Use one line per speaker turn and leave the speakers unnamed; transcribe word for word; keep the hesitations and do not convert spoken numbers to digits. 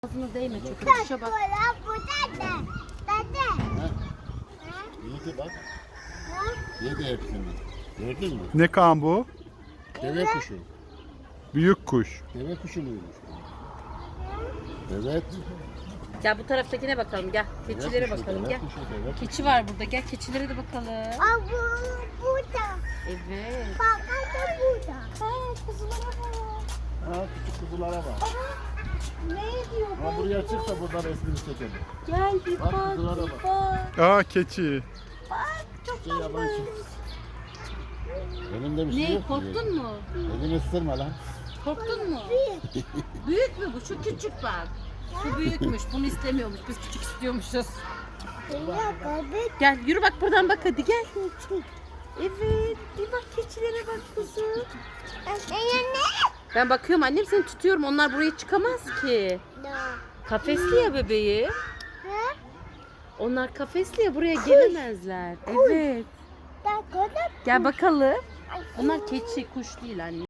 Ağzına değme çok. Kuşa bak.
Yedi bak. Yedi hepsini. Gördün mü?
Ne kan bu?
Deve kuşu.
Büyük kuş.
Deve kuşu muymuş? Evet.
Gel bu taraftakine bakalım gel. Keçilere
Deve kuşu,
bakalım
deve
gel.
kuşu, deve kuşu.
Keçi var burada gel keçilere de bakalım.
Aa, bu burada.
Evet.
Bak da burada. Ha, kuzulara bak.
Ha, küçük kuzulara bak.
Ne diyor?
Ha, buraya çık da buradan resmini çekelim.
Gel bir
Bak,
bak
kuzulara
bir
bak.
bak.
Aa keçi.
Bak çok
Şey yabancı. Elimde bir şey
Ne
yok.
korktun mu?
Elini ısırma lan.
Korktun mu? Büyük mü bu? Şu küçük bak. Bu büyükmüş. Bunu istemiyormuş. Biz küçük istiyormuşuz.
tatlı.
Gel yürü bak buradan bak hadi gel. Evet. Bir bak keçilere bak kuzum.
Ne?
Ben bakıyorum annem seni tutuyorum. Onlar buraya çıkamaz ki. Kafesli ya bebeği.
Ha?
Onlar kafesli ya buraya gelemezler. Evet.
Bak orada.
Gel bakalım. Onlar keçi kuş değil anne.